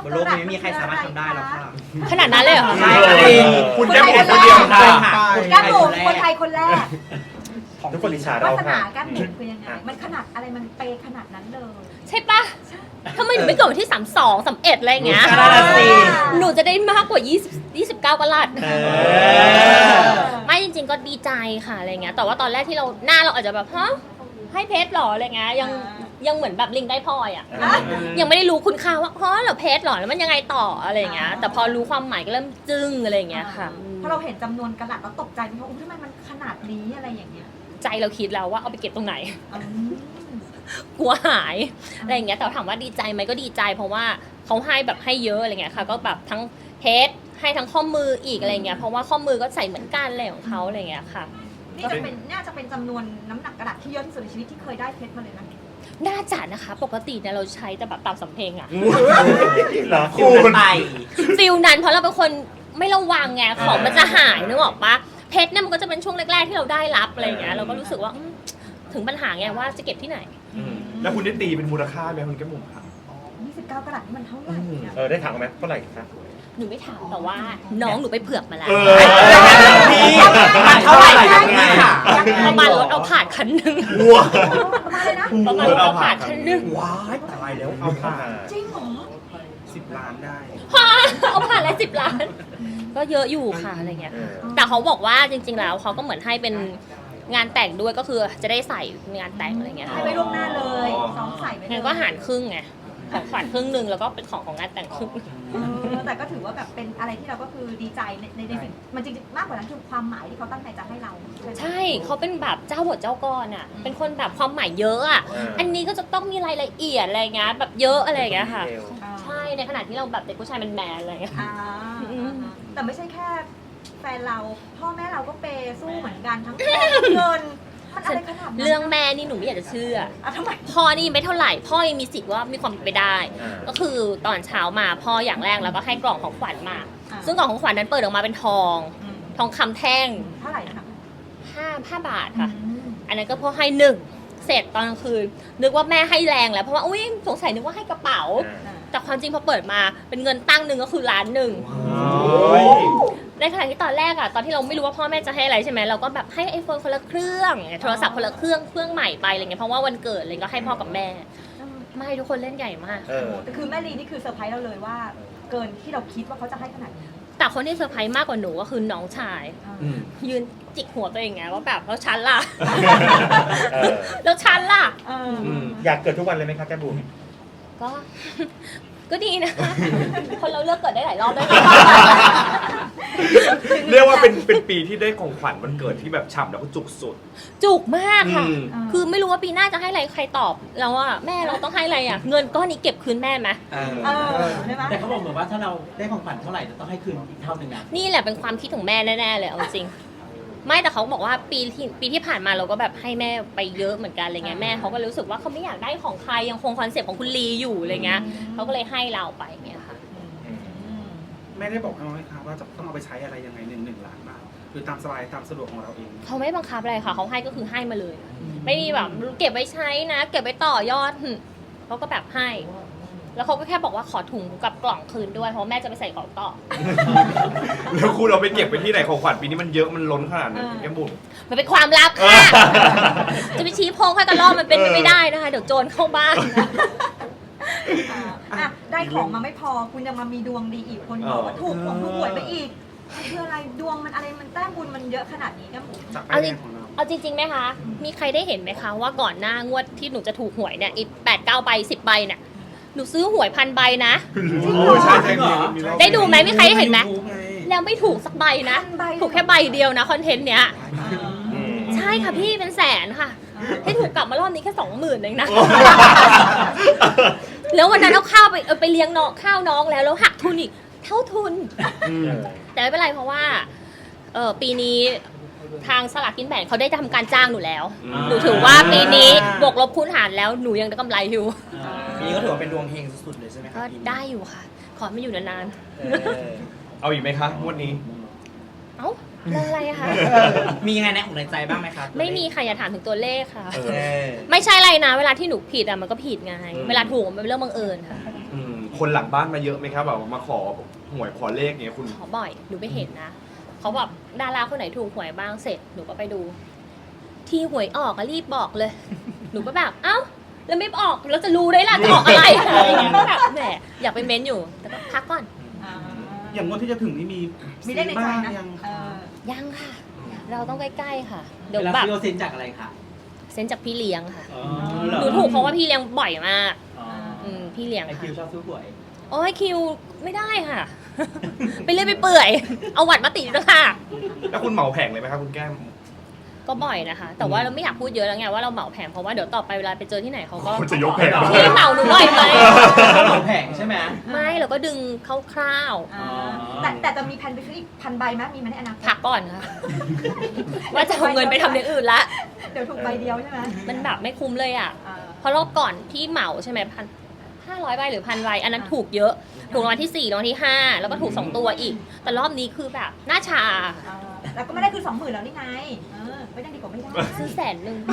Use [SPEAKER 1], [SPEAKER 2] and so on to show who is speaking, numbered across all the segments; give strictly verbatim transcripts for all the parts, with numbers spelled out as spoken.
[SPEAKER 1] บนโลกนี้ไม่มีใครสามารถทำได้หรอกค่ะ
[SPEAKER 2] ขนาดนั้นเลยเหรอคะ
[SPEAKER 1] ใช่
[SPEAKER 3] คุณแก้มบุ๋มคนเดียวค่ะ
[SPEAKER 4] แก้มบุ๋มคนไทยคนแรก
[SPEAKER 3] ทุกคนอิจฉาว
[SPEAKER 4] า
[SPEAKER 3] เรา
[SPEAKER 4] สนา
[SPEAKER 3] ค่ะ
[SPEAKER 4] แก้มบุ๋มคือยังไงมันขนาดอะไรมันเปย์ขนาดนั้นเลย
[SPEAKER 2] ใช่ปะทำไมหนูไม่เกิดวันที่สามสอง สามเอ็ดอะไรอย่างเงี้ย
[SPEAKER 1] นั่นน่ะสิ
[SPEAKER 2] หนูจะได้มากกว่ายี่สิบ ยี่สิบเก้ากะรัต
[SPEAKER 1] เออ
[SPEAKER 2] ไม่จริงๆก็ดีใจค่ะอะไรเงี้ยแต่ว่าตอนแรกที่เราหน้าเราอาจจะแบบฮะให้เพชรหรออะไรเงี้ยยังยังเหมือนแบบลิงได้พลอยอ่ะยังไม่ได้รู้คุณค่าว่าฮะเหรอเพชรหรอแล้วมันยังไงต่ออะไรเงี้ยแต่พอรู้ความหมายก็เริ่มจึ้งอะไรเงี้ยค่ะ
[SPEAKER 4] พอเราเห็นจำนวนกระดาษเราตกใจไหมว่าอุ้ยทำไมมันขนาดนี้อะไรอย่างเงี้ย
[SPEAKER 2] ใจเราคิดแล้วว่าเอาไปเก็บตรงไหน
[SPEAKER 4] อืม
[SPEAKER 2] กลัวหายอะไรอย่างเงี้ยแต่ถามว่าดีใจไหมก็ดีใจ เพราะว่าเขาให้แบบให้เยอะอะไรเงี้ยค่ะก็แบบทั้งเพชรให้ทั้งข้อมืออีกอะไรเงี้ยเพราะว่าข้อมือก็ใส่เหมือนกันอะไรของเขาอะไรเงี้ยค่ะ
[SPEAKER 4] นี่จะเป็นน่าจะเป็นจำนวนน้ำหนักกระดาษที่เยอะที่สุดในชีวิตที่เคยได้เพชรมาเลยนะ
[SPEAKER 2] น่าจะนะคะปกติเนี่ยเราใช้แต่แบบตามสำเพ็งอะ
[SPEAKER 3] เหรอ
[SPEAKER 1] คู
[SPEAKER 3] คุณ
[SPEAKER 1] ณไป
[SPEAKER 2] ฟิลนั้นเพราะเราเป็นคนไม่ระวังไงของมันจะหายนึกออกปะเพชรเนี่ยมันก็จะเป็นช่วงแรกๆที่เราได้รับอะไรเงี้ยเราก็รู้สึกว่าอืมถึงปัญหาไงว่าจะเก็บที่ไหน
[SPEAKER 3] แล้วคุณได้ตีเป็นมูลค่าไหมคุณแก้มบุ๋มค่ะ
[SPEAKER 4] ยี่สิบเก้ากระดาษนี่มันเท่าไหร่เนี่ย
[SPEAKER 3] เออได้ถามไหมเท่าไหร่ครับ
[SPEAKER 2] หนูไม่ถามแต่ว่าน้องหนูไปเผือกมาแล้ว
[SPEAKER 3] เออ
[SPEAKER 1] พี่มันเท่าไหร่กันนี่ค่ะ
[SPEAKER 2] ประมาณรถเอาผ่านคันหนึง
[SPEAKER 3] วัว
[SPEAKER 4] ประมาณเลยนะ
[SPEAKER 2] ประมาณรถเอาผ่านคันหนึง
[SPEAKER 1] ว้ายตายแล้ว
[SPEAKER 3] เอาผ่าน
[SPEAKER 4] จริงเหรอ
[SPEAKER 1] สิบล้านได้
[SPEAKER 2] ฮะเอาผ่านแล้วสิบล้าน ก็เยอะอยู่ค่ะอะไรเงี้ย
[SPEAKER 3] เออ
[SPEAKER 2] แต่เขาบอกว่าจริงๆแล้วเขาก็เหมือนให้เป็นงานแต่งด้วยก็คือจะได้ใส่งานแต่งอะไรเงี้ย
[SPEAKER 4] ให้ไว้ล่วงหน้าเลยซ้อมใส่ไว้เลย
[SPEAKER 2] งั้นก็หารครึ่งไงของขวัญครึ่งหนึ่งแล้วก็เป็นของของงานแต่งครึ่ง
[SPEAKER 4] เออแต่ก็ถือว่าแบบเป็นอะไรที่เราก็คือดีใจในในในสิ่งมันจริงๆมากกว่านั้นคือความหมายที่เขาตั้งใจจะให้เราไหม
[SPEAKER 2] ใช่เขาเป็นแบบเจ้าบทเจ้ากรอ่ะเป็นคนแบบความหมายเยอะอ่ะอันนี้ก็จะต้องมีรายละเอียดอะไรเงี้ยแบบเยอะอะไรอย่างเงี้ยค่ะ
[SPEAKER 4] อ่า
[SPEAKER 2] ใช่ในขณะที่เราแบบเด็กผู้ชายแมนๆอะไรเงี้ย
[SPEAKER 4] อ่า
[SPEAKER 2] อืม
[SPEAKER 4] แต่ไม่ใช่แค่แฟนเราพ่อแม่เราก็เปย์สู้เหมือนกันทั้งทองทั้งเงินมันอะไรขนาดนั้น
[SPEAKER 2] เรื่องแม่นี่หนูไม่อยากจะเชื่อ
[SPEAKER 4] อ่ะทำไม
[SPEAKER 2] พ่อนี่ไม่เท่าไหร่ พ่อยังมีสิทธิ์ว่ามีความเป็นไปได้
[SPEAKER 3] อ่า
[SPEAKER 2] ก็คือตอนเช้ามาพ่ออย่างแรกแล้วก็ให้กล่องของขวัญมา
[SPEAKER 4] อ่า
[SPEAKER 2] ซึ่งกล่องของขวัญนั้นเปิดออกมาเป็นทอง
[SPEAKER 4] อืม
[SPEAKER 2] ทองคำแท่ง
[SPEAKER 4] เท่าไหร่นะคะ
[SPEAKER 2] ห้าห้าบาทค่ะ
[SPEAKER 4] อืม
[SPEAKER 2] อันนั้นก็พ่อให้หนึ่งเสร็จตอนกลางคืนนึกว่าแม่ให้แรงแล้วเพราะว่าอุ้ยสงสัยนึกว่าให้กระเป๋า
[SPEAKER 4] อ่า
[SPEAKER 2] แต่ความจริงพอเปิดมาเป็นเงินตั้งหนึ่งก็คือล้านหนึ่ง
[SPEAKER 3] โอ้ย
[SPEAKER 2] ในขณะที่ตอนแรกอะตอนที่เราไม่รู้ว่าพ่อแม่จะให้อะไรใช่ไหมเราก็แบบให้ไอโฟนคนละเครื่องโทรศัพท์คนละเครื่องเครื่องใหม่ไปอะไรเงี้ยเพราะว่าวันเกิดอะไรก็ให้พ่อกับแม่ ไม่ทุกคนเล่นใหญ่มาก
[SPEAKER 3] เออ
[SPEAKER 4] แต่คือแม่ลีนี่คือเซอร์ไพรส์เราเลยว่า เกินที่เราคิดว่าเขาจะให้ขนาดนี้
[SPEAKER 2] แต่คนที่เซอร์ไพรส์มากกว่าหนูก็คือน้องชาย
[SPEAKER 4] อ่า
[SPEAKER 1] อืม
[SPEAKER 2] ยืนจิกหัวตัวเองไงว่าแบบแล้วฉันล่ะ
[SPEAKER 3] เออ
[SPEAKER 2] แล้วฉันล่ะ
[SPEAKER 4] เอออ
[SPEAKER 1] ม
[SPEAKER 3] อยากเกิดทุกวันเลยไหมครับแก้มบุ๋ม
[SPEAKER 2] ก็ ก็ดีนะ คนเราเลือกเกิดได้หลายรอบได้ไหม
[SPEAKER 5] เรียกว่าเป็นเป็นปีที่ได้ของขวัญวันเกิดที่แบบฉ่ำแล้วก็จุกสุด
[SPEAKER 2] จุกมากค่ะ
[SPEAKER 5] อืม
[SPEAKER 2] คือไม่รู้ว่าปีหน้าจะให้อะไรใครตอบแล้วว่าแม่เราต้องให้อะไรอ่ะ เงินก้อนนี้เก็บคืนแม่ไหม
[SPEAKER 1] เออ
[SPEAKER 4] เออใช่ไหม
[SPEAKER 6] แต่เขาบอกเหมือนว่าถ้าเราได้ของขวัญเท่าไหร่จะต้องให้คืนอีกเท่าหนึ่งนะ
[SPEAKER 2] นี่แหละเป็นความคิดของแม่แน่ๆเลยเอาจริง ไม่แต่เขาบอกว่าปีที่ปีที่ผ่านมาเราก็แบบให้แม่ไปเยอะเหมือนกันอะไรเงี้ยแม่เขาก็รู้สึกว่าเขาไม่อยากได้ของใครยังคงคอนเซ็ปต์ของคุณลีอยู่อะไรเงี้ยเขาก็เลยให้เราไปเงี้ยค่ะ
[SPEAKER 4] อืม
[SPEAKER 7] แม่ได้บอกเอาไหมคะว่าจะต้องเอาไปใช้อะไรยังไงหนึ่งหนึ่งล้านบาทหรือตามสบายตามสะดวกของเราเอง
[SPEAKER 2] เขาไม่บังคับอะไรค่ะเขาให้ก็คือให้มาเลย ไม่มีแบบเก็บไว้ใช้นะ เก็บไว้ต่อยอดหึเขาก็แบบให้ แล้วเขาก็แค่บอกว่าขอถุงกับกล่องคืนด้วยเพราะแม่จะไปใส่ของต่อ
[SPEAKER 5] แล้วคุณเราไปเก็บไปที่ไหนของขวัญปีนี้มันเยอะมันล้นขนาดนั้นแก้มบุ๋ม
[SPEAKER 2] มันเป็นความลับค่ะ จะไปชี้โพงให้กระลอกมันเป็นไปไม่ได้นะคะ เดี๋ยวโจรเข้าบ้าน
[SPEAKER 4] อ่าอ่ะได้ของมาไม่พอคุณยังมามีดวงดีอีกคนบอกว่าถูกของถูกหวยไปอีกมันคืออะไรดวงมันอะไรมันแต้มบุญมันเยอะขนาดนี้กันหมด
[SPEAKER 7] จากป้ายแดงของเรา
[SPEAKER 2] เอาจริงๆไหมคะ มีใครได้เห็นไหมคะว่าก่อนหน้างวดที่หนูจะถูกหวยเนี่ยอีกแปดเก้าใบสิบใบเนี่ย หนูซื้อหวยพันใบนะ
[SPEAKER 5] โอ้ใช่ใช่มีมีรอบ
[SPEAKER 2] ได้ดูไหมมีใครได้เห็นไหม
[SPEAKER 7] รู้ไง
[SPEAKER 2] แล้วไม่ถูกสักใบนะ
[SPEAKER 4] พันใบ
[SPEAKER 2] ถูกแค่ใบเดียวนะคอนเทนต์เนี้ย
[SPEAKER 3] อืม
[SPEAKER 2] ใช่ค่ะพี่เป็นแสนค่ะ ให้ถูกกลับมารอบนี้แค่สองหมื่นเองนะ แล้ววันนั้นเอาข้าวไปเอาไปเลี้ยงน้องข้าวน้องแล้วแล้วหักทุนอีกเท่าทุน
[SPEAKER 5] อืม
[SPEAKER 2] แต่ไม่เป็นไรเพราะว่าเออปีนี้ทางสลากกินแบ่งเขาได้ทำการจ้างหนูแล้ว
[SPEAKER 5] อ่า
[SPEAKER 2] หนูถือว่าปีนี้บวกลบคูณหารแล้วหนูยังได้กำไรอยู่
[SPEAKER 1] ปีนี้ก็ถือว่าเป็นดวงเฮงสุดๆเลยใช่ไหมค
[SPEAKER 2] ก็
[SPEAKER 1] รับปีนี้
[SPEAKER 2] ได้อยู่ค่ะ ขอไม่อยู่นาน
[SPEAKER 1] เออ
[SPEAKER 5] เอาอีกไหมคะงวดนี้
[SPEAKER 2] ๆ เอ้าเรื่องอะไรอะคะ
[SPEAKER 1] มียังไงในของในใจบ้างไหมครับ
[SPEAKER 2] ไม่มีค่ะอย่าถามถึงตัวเลขค่ะ
[SPEAKER 1] เออ
[SPEAKER 2] ไม่ใช่อะไรนะ เวลาที่หนูผิดอะมันก็ผิดไง เวลาถูกมันเป็นเรื่องบังเอิญค่ะ
[SPEAKER 5] อืมคนหลังบ้านมาเยอะไหมครับแบบมาขอหวยขอเลขเงี้ยคุณ
[SPEAKER 2] ขอบ่อยหนูไปเห็นนะเขาแบบดาราคนไหนถูกหวยบ้างเสร็จหนูก็ไปดู ที่หวยออกก็รีบบอกเลย หนูก็แบบเอ้าแล้วไม่ออกเราจะรู้ได้ล่ะจะออกอะไรอะไรอย่างเงี้ยก็แบบแหมอยากไปเม้นอยู่แต่ก็พักก่อน
[SPEAKER 4] อ่า
[SPEAKER 7] อย่างงวดที่จะถึงนี่มี
[SPEAKER 4] มีได้ในใจ
[SPEAKER 7] บ้าง
[SPEAKER 4] นะ
[SPEAKER 7] ยัง
[SPEAKER 4] เออ
[SPEAKER 2] ยังค่ะ เราต้องใกล้ๆค่ะ เดี๋
[SPEAKER 6] เดี๋
[SPEAKER 2] ย
[SPEAKER 6] ยว ว
[SPEAKER 2] แบบ
[SPEAKER 6] ฟิโอเซนจากอะไรคะ
[SPEAKER 2] เซ็นจากพี่เลี้ยงค่ะ
[SPEAKER 6] อ๋อ
[SPEAKER 2] หนูถูกเพราะว่าพี่เลี้ยงบ่อยมาก
[SPEAKER 6] อ๋อ
[SPEAKER 2] อืมพี่เลี้ยง
[SPEAKER 6] ไอคิ
[SPEAKER 2] ค่ะ
[SPEAKER 6] วชอบซื้อหวย
[SPEAKER 2] โอ้ยคิวไม่ได้ค่ะ ไปเรื่อยไปเปื่อย เอาหวัดมาติดด้วยค่ะ
[SPEAKER 5] แล้วคุณเหมาแผงเลยไหมครับคุณแก้ม
[SPEAKER 2] ก็บ่อยนะคะ แต่ว่าเราไม่อยากพูดเยอะแล้วไงว่าเราเหมาแผงเพราะว่าเดี๋ยวต่อไปเวลาไปเจอที่ไหนเขาก็
[SPEAKER 5] คุณจะยกแผง
[SPEAKER 2] พี่เหมาหนูบ่อยไหม
[SPEAKER 6] เหมาแผงใช่ไหม
[SPEAKER 2] ไม่เราก็ดึงคร่าว
[SPEAKER 4] อ่าแต่แต่จะมีแผนไปซื้ออีกพันใบไหมมีไหมในอนาค
[SPEAKER 2] ๆ
[SPEAKER 4] ต
[SPEAKER 2] พักก่อนค่ะ ว่าจะเอาเงินไปทำอย่างอื่นละ
[SPEAKER 4] เดี๋ยวถูกใบเดียวใช่ไหม
[SPEAKER 2] มันแบบไม่คุ้มเลยอ่ะ
[SPEAKER 4] อ่า
[SPEAKER 2] เพราะรอบก่อนที่เหมาใช่ไหมพันห้าร้อยใบหรือพันใบอันนั้นถูกเยอะ ถูกรางวัลที่สี่รางวัลที่ห้าแล้วก็ถูกสองตัวอีก แต่รอบนี้คือแบบหน้าชา
[SPEAKER 4] อ่าแล้วก็ไม่ได้คือสองหมื่นแล้วนี่ไงเออไม่ได้ดีกว่าไม่ได้
[SPEAKER 2] ซื้อแสนหนึ่ง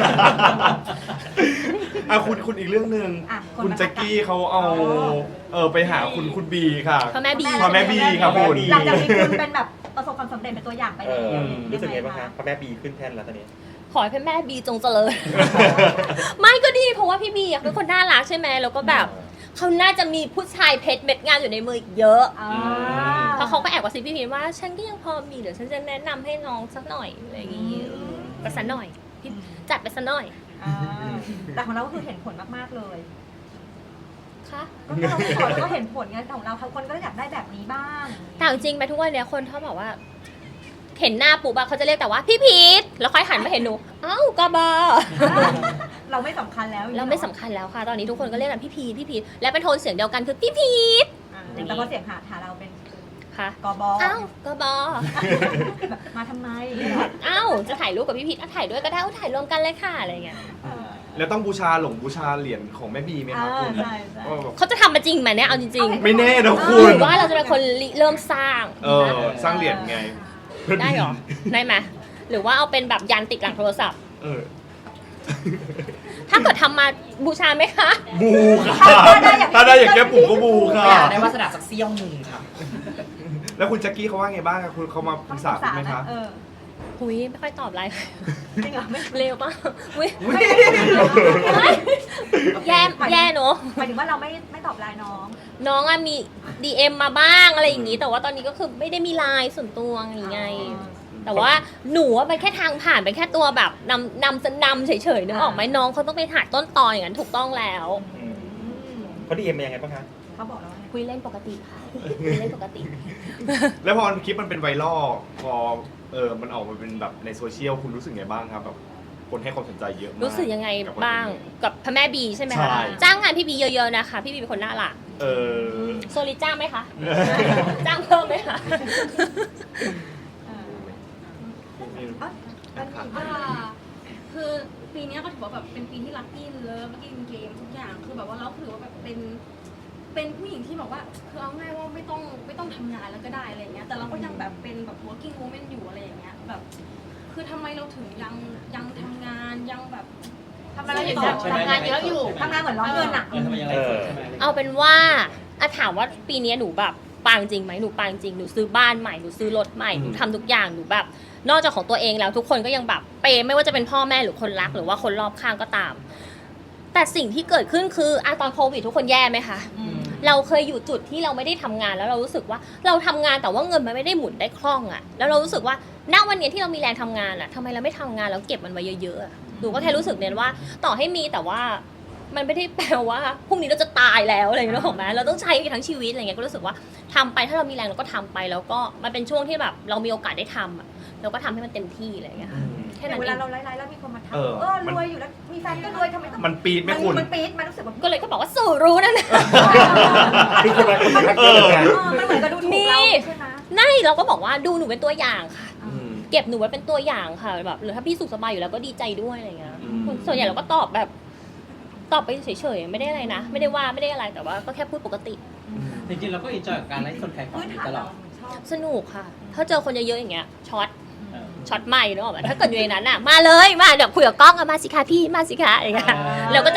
[SPEAKER 5] อ่ะคุณคุณอีกเรื่องหนึ่ง
[SPEAKER 4] อ่ะน
[SPEAKER 5] คุณ
[SPEAKER 4] มา
[SPEAKER 5] แจ็คกี้เขาเอาเออไปหาคุณคุณบีค่ะ
[SPEAKER 2] พ่อแม่บี
[SPEAKER 5] พ่อแม่บีครับคุณ
[SPEAKER 4] หลังจากมีคุณเป็นแบบประสบความสำเร็จเป็นตัวอย่างไป
[SPEAKER 3] เอ
[SPEAKER 4] แล้ว
[SPEAKER 3] อรู้สึกไงบ้าง
[SPEAKER 4] ยั
[SPEAKER 3] คะพ่อแม่บีขึ้นแท่นแล้วตอนนี้
[SPEAKER 2] ขอให้พ่อแม่บีจงเจริญ ไม่ก็ดีเพราะว่าพี่บีอะเป็นคนน่ารักใช่ไหมแล้วก็แบบเขาน่าจะมีผู้ชายเพชรเม็ดงานอยู่ในมืออีกเยอะ
[SPEAKER 4] อ่า
[SPEAKER 2] เพราะเขาก็แอบกระซิบพี่พีชว่าฉันก็ยังพอมีเดี๋ยวฉันจะแนะนำให้น้องสักหน่อยอะไรอย่างงี้ก็สักหน่อยพี่จัดไปสักหน่อย
[SPEAKER 4] อ่าแต่ของเราก็คือเห็นผลมากๆเลย
[SPEAKER 2] ค่ะ
[SPEAKER 4] ก็เราไม่ขอแล้วก็เห็นผลไงแต่ของเราคนก็อยากได้แบบนี้บ้าง
[SPEAKER 2] แต่เอาจริงไปทุกวันเนี้ยคนเขาบอกว่า เห็นหน้าปุ๊บอะเขาจะเรียกแต่ว่าพี่พีชแล้วค่อยหันมาเห็นหนูเอ้ากบอ
[SPEAKER 4] เราไม่สำคัญแล้ว
[SPEAKER 2] เราไม่สำคัญแล้วค่ะ ตอนนี้ทุกคนก็เรียกกันพี่พีชพี่พีชและเป็นโทนเสียงเดียวกันคือพี่พีช
[SPEAKER 4] อ่าแต่พอเสียงหาหาเราเป็น
[SPEAKER 2] ค่ะ
[SPEAKER 4] กบ
[SPEAKER 2] เอ้าวกบอ
[SPEAKER 4] แบบมาทำไม
[SPEAKER 2] เอ้าจะถ่ายรูปกับพี่พีชอ่ะถ่ายด้วยก็ได้เอาถ่ายรวมกันเลยค่ะอะไรเงี้ย
[SPEAKER 4] เออ
[SPEAKER 5] แล้วต้องบูชาหลงบูชาเหรียญของแม่บีไหมครับคุณ
[SPEAKER 4] อ่าใช่ใช่
[SPEAKER 5] ว่าแบบ
[SPEAKER 2] เขาจะทำมาจริงไหมเนี่ยเอาจริง
[SPEAKER 5] ไม่แน่นะ
[SPEAKER 2] ๆ
[SPEAKER 5] คุ
[SPEAKER 2] ห
[SPEAKER 5] ณ
[SPEAKER 2] รือว่าเราจะเป็นคนริเริ่มสร้าง
[SPEAKER 5] เออสร้างเหรียญไง
[SPEAKER 2] ได้เหรอได้ไหมหรือว่าเอาเป็นแบบยันติดหลังโทรศัพท์
[SPEAKER 5] เออ
[SPEAKER 2] ถ้าเกิดทำมาบูชาไหมคะ
[SPEAKER 5] บูค่ะถ้าได้อย่างแก้มบุ๋มก็บูค่ะ
[SPEAKER 1] อยากได้วาสนาสักเซี่ยวหนึ่งครับ
[SPEAKER 5] แล้วคุณแจ็คกี้เขาว่าไงบ้างครับคุณเขามาปรึกษาคุณไหมคะ
[SPEAKER 4] เออ
[SPEAKER 2] หุยไม่ค่อยตอบไลน์
[SPEAKER 4] จริงเหรอไม่
[SPEAKER 2] เร็วป่ะหุย
[SPEAKER 4] ไม่ไม่
[SPEAKER 2] แย่แย่เนอะ
[SPEAKER 4] หมายถึงว่าเราไม่ไม่ตอบไลน์น้อง
[SPEAKER 2] น้องอะมี ดี เอ็ม มาบ้างอะไรอย่างงี้ แต่ว่าตอนนี้ก็คือไม่ได้มีไลน์ส่วนตัวอะไรอย่างไง แต่ว่าหนูว่าเป็นแค่ทางผ่านเป็นแค่ตัวแบบนำนำนำเฉยๆนึกออกไหมน้องเขาต้องไปหาต้นตออย่างนั้นถูกต้องแล้ว
[SPEAKER 3] เขาดีเอ็มเป็นยังไงบ้างคะ
[SPEAKER 4] เขาบอกแล้วว่าไง
[SPEAKER 2] คุยเล่นปกติค่ะคุยเล่นปกติ
[SPEAKER 5] แล้วพอคลิปมันเป็นไวรัลพอเออมันออกมาเป็นแบบในโซเชียลคุณรู้สึกไงบ้างครับแบบคนให้ความสนใจเยอะมาก
[SPEAKER 2] รู้สึกยังไง
[SPEAKER 5] กับคอนเทนต์
[SPEAKER 2] บ้างกับพระแม่บีใช่ไหม
[SPEAKER 5] ใช่
[SPEAKER 2] คะจ้างงานพี่บีเยอะๆนะคะ พี่บีเป็นคนน่ารัก
[SPEAKER 5] เออ
[SPEAKER 2] โซลิจ้างไหมคะ จ้างเพิ่มไหมคะ
[SPEAKER 4] เออเอ้ยมันมี
[SPEAKER 8] อ่าคือปีเนี้ยก็ถือว่าแบบเป็นปีที่ลัคกี้เลิฟลัคกี้เกมทุกอย่างคือแบบว่าเราถือว่าแบบเป็นเป็นผู้หญิงที่แบบว่าคือเอาง่ายว่าไม่ต้องไม่ต้องทำงานแล้วก็ได้อะไรเงี้ยแต่เราก็ยังแบบเป็นแบบ working woman อยู่อะไรอย่างเงี้ยแบบคือทำไมเราถึงยังยังทำงานยังแบบทำอะไรต่อ
[SPEAKER 6] ทำงานเยอะอยู่
[SPEAKER 4] ทำงานเหมือนร้อนเงินอ่ะ
[SPEAKER 6] เออทำไมยังไงสดใช่ไหม
[SPEAKER 2] เอาเป็นว่าอะถามว่าปีนี้หนูแบบปังจริงไหมหนูปังจริงหนูซื้อบ้านใหม่หนูซื้อรถใหม่หนูทำทุกอย่างหนูแบบ นอกจากของตัวเองแล้วทุกคนก็ยังแบบเปย์ไม่ว่าจะเป็นพ่อแม่หรือคนรักหรือว่าคนรอบข้างก็ตาม แต่สิ่งที่เกิดขึ้นคืออะตอนโควิดทุกคนแย่ไหมคะเราเคยอยู่จุดที่เราไม่ได้ทำงานแล้วเรารู้สึกว่าเราทำงานแต่ว่าเงินมันไม่ได้หมุนได้คล่องอะแล้วเรารู้สึกว่าณวันนี้ที่เรามีแรงทำงานอะทำไมเราไม่ทำงานแล้วเก็บมันไว้เยอะๆอะหนูก็แค่รู้สึกเน้นว่าต่อให้มีแต่ว่ามันไม่ได้แปลว่าพรุ่งนี้เราจะตายแล้วอะไรอย่างเงี้ยหรอกไหมเราต้องใช้ทั้งชีวิตอะไรเงี้ยก็รู้สึกว่าทำไปถ้าเรามีแรงเราก็ทำไปแล้วก็มันเป็นช่วงที่แบบเรามีโอกาสได้ทำอะเราก็ทำให้มันเต็มที่อะไรอย่างเงี้ยค่ะแค่นั้น
[SPEAKER 4] เว
[SPEAKER 2] เอ
[SPEAKER 4] ลาง เราไลฟ์ๆแล้วมีคนมาทัก
[SPEAKER 5] เออ
[SPEAKER 4] เออ
[SPEAKER 5] มัน
[SPEAKER 4] รวยอยู่แล้วมีแฟนก็รวยทำไมต้อง
[SPEAKER 5] มันปีดไหม
[SPEAKER 4] มัน
[SPEAKER 5] คุณ
[SPEAKER 4] มันปี๊ดมันรู้สึกแบบ
[SPEAKER 2] ก็เลยก็บอกว่าสู่รู้นะนะ
[SPEAKER 3] คือคนละคนละ
[SPEAKER 5] เอ
[SPEAKER 3] เยอะ
[SPEAKER 5] อ
[SPEAKER 3] เหมือนกัน
[SPEAKER 4] เออมันเหมือนกับดูถูกเราใช่ไหม
[SPEAKER 2] นั่นเราก็บอกว่าดูหนูเป็นตัวอย่างค่ะ
[SPEAKER 5] อืม
[SPEAKER 2] เก็บหนูไว้เป็นตัวอย่างค่ะแบบหรือถ้าพี่สุขสบายอยู่แล้วก็ดีใจด้วยอะไรเงี้ย
[SPEAKER 5] อืม
[SPEAKER 2] ส่วนใหญ่เราก็ตอบแบบตอบไปเฉยๆไม่ได้อะไรนะ ไม่ได้ว่าไม่ได้อะไรแต่ว่าก็แค่พูดปกติ
[SPEAKER 6] จริงๆเราก็อินจอยกับการไลฟ์สดขายของ
[SPEAKER 4] พื้น
[SPEAKER 6] อยู่
[SPEAKER 4] ฐาน
[SPEAKER 6] ตล
[SPEAKER 4] เรา
[SPEAKER 6] อด
[SPEAKER 4] ชอบ
[SPEAKER 2] สนุกค่ะ ถ้าเจอคนเยอะๆอย่างเงี้ยช็อต
[SPEAKER 6] เออ
[SPEAKER 2] ช็อตใหม่เนอะแบบถ้าเกิดอยู่ในนั้นอ่ะมาเลยมาเดี๋ยวคุยกับกล้องอะมาสิคะพี่มาสิคะอะไรเงี้ยเราก็จะแบบ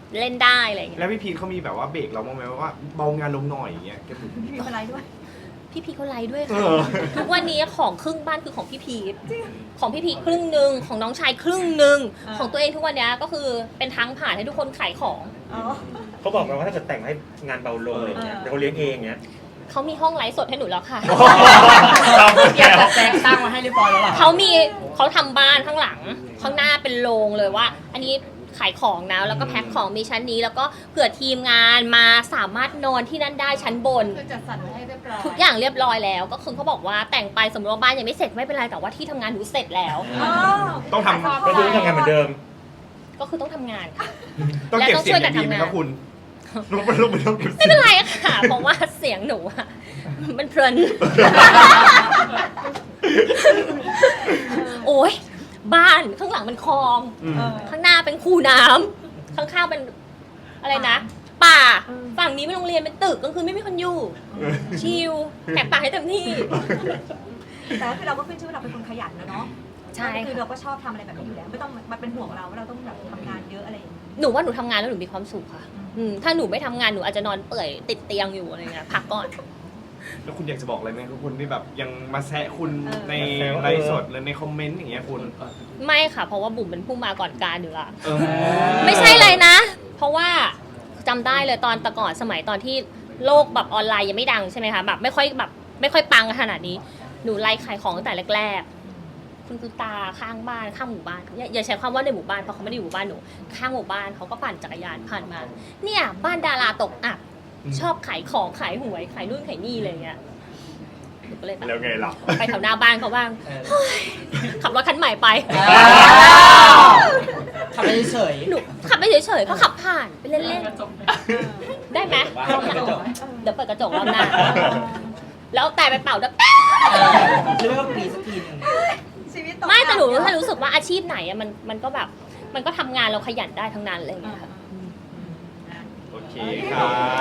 [SPEAKER 2] เล่นได้อะไรอย่างเงี้ย
[SPEAKER 5] แล้วพี่พีทเขามีแบบว่าเบรกเราบ้างไหมว่าเบางานลงหน่อยอย่างเงี้ยแกบอก
[SPEAKER 4] มีอะไรด้วย
[SPEAKER 2] พี่พีทเขาไลฟ์ด้วย
[SPEAKER 5] เอ
[SPEAKER 2] ค่ะ
[SPEAKER 5] อ
[SPEAKER 2] ทุกวันนี้ของครึ่งบ้านคือของพี่พีทของพี่พีทครึ่งหนึ่งของน้องชายครึ่งหนึ่ง
[SPEAKER 4] อ่า
[SPEAKER 2] ของตัวเองทุกวันนี้ก็คือเป็นทางผ่านให้ทุกคนขายของ
[SPEAKER 4] อ๋อ
[SPEAKER 3] เขาบอกมาว่าถ้าเกิดแต่งให้งานเบาลงอะไรเงี้ย
[SPEAKER 4] เออ
[SPEAKER 3] เดี๋ยวเขาเลี้ยงเองเงี้ย
[SPEAKER 2] เขามีห้องไลฟ์สดให้หนูแล้วค่ะ
[SPEAKER 1] อยากจะแจกตั้งมาให้เรียบร้อยแล้วล่ะ
[SPEAKER 2] เขามีเขาทำบ้านข้างหลัง ข้างหน้าเป็นโรงเลยว่า อันนี้ขายของนะแล้วก็แพ็คของมีชั้นนี้แล้วก็เผื่อทีมงานมาสามารถนอนที่นั่นได้ชั้นบน
[SPEAKER 8] คือจัดสรรไว้ให้เรียบร้อย
[SPEAKER 2] ทุกอย่างเรียบร้อยแล้วก็คือเขาบอกว่าแต่งไปสมมติว่าบ้านยังไม่เสร็จไม่เป็นไรแต่ว่าที่ทำงานหนูเสร็จแล้ว
[SPEAKER 4] อ๋อ
[SPEAKER 5] ต้องทำ
[SPEAKER 3] ก็คือต้องทำงานเหมือนเดิม
[SPEAKER 2] ก็คือต้องทำงานค่ะ
[SPEAKER 5] ต้องเก็บเสียงอย่างดีไหมครับคุณลงไปลงไปต้องเก็บเสี
[SPEAKER 2] ไม่
[SPEAKER 5] ยง
[SPEAKER 2] เป็นไรค่ะเพราะว่าเสียงหนูอะมันเพลิน โอ้ยบ้านข้างหลังเป็นคลอง
[SPEAKER 5] อืม
[SPEAKER 4] เออ
[SPEAKER 2] ข้างหน้าเป็นคูน้ำข้างๆเป็นอะไรนะ ป่าฝั่งนี้เป็นโรงเรียนเป็นตึกกลางคืนไม่มีคนอยู่ ชิลแหกปากให้เต็มที่
[SPEAKER 4] แต่ก็คือเราก็ขึ้นชื่อว่าเราเป็นคนขยันนะเนาะ
[SPEAKER 2] ใช่
[SPEAKER 4] คือ
[SPEAKER 2] ค่ะ
[SPEAKER 4] เราก็ชอบทำอะไรแบบนี้อยู่แล้ว ไม่ต้องมาเป็นห่วงเราว่าเราต้องแบบทำงานเยอะอะไรอย่างนี้
[SPEAKER 2] หนูว่าหนูทำงานแล้วหนูมีความสุขค่ะอืมถ้าหนูไม่ทำงานหนูอาจจะนอนเปื่อยติดเตียงอยู่อะไรเงี้ยพักก่อน
[SPEAKER 5] แล้วคุณอยากจะบอกอะไรไหมครับคุณที่แบบยังมาแซะคุณ
[SPEAKER 4] เออ
[SPEAKER 5] ในไลฟ์สดหรือในคอมเมนต์อย่างเงี้ยคุณ
[SPEAKER 2] ไม่ค่ะ เพราะว่าบุ๋มเป็นผู้มาก่อนการอยู่ละ
[SPEAKER 5] เออ
[SPEAKER 2] ไม่ใช่เลยนะ เพราะว่าจำได้เลยตอนแต่ก่อนสมัยตอนที่โลกแบบออนไลน์ยังไม่ดังใช่ไหมคะแบบไม่ค่อยแบบไม่ค่อยปังขนาดนี้หนูไลฟ์ขายของตั้งแต่แรกๆคุณคือตาข้างบ้านข้างหมู่บ้านอย่าอย่าใช้คำว่าในหมู่บ้านเพราะเขาไม่ได้อยู่หมู่บ้านหนูข้างหมู่บ้านเขาก็ปั่นจักรยานผ่านมา เนี่ยบ้านดาราตกอับชอบขายของขายหวยขายนู่นขายนี่อะไรอย่างเงี้ยหนูก็เลยแบบ
[SPEAKER 5] แล้วไงล่ะ
[SPEAKER 2] ไปแถวหน้าบ้านเขาบ้างเฮ้ยขับรถคันใหม่ไป
[SPEAKER 1] ทำไปเฉย
[SPEAKER 2] หนูขับไปเฉยๆเขาขับผ่านไปเล่นๆ ได้ไหมรอบหน้าเดี๋ยวเปิดกระจกรอบหน้า แล้วแต่ไปเป่าด้วย
[SPEAKER 1] หรือไม่ก็ปีสักทีหนึง
[SPEAKER 4] ชีวิต
[SPEAKER 2] ไม่แต่หนูแค่รู้สึกว่าอาชีพไหนอะมันมันก็แบบมันก็ทำงานเราขยันได้ทั้งนั้นอะไรอย่างเงี้ยค่ะ
[SPEAKER 5] โอเคครับ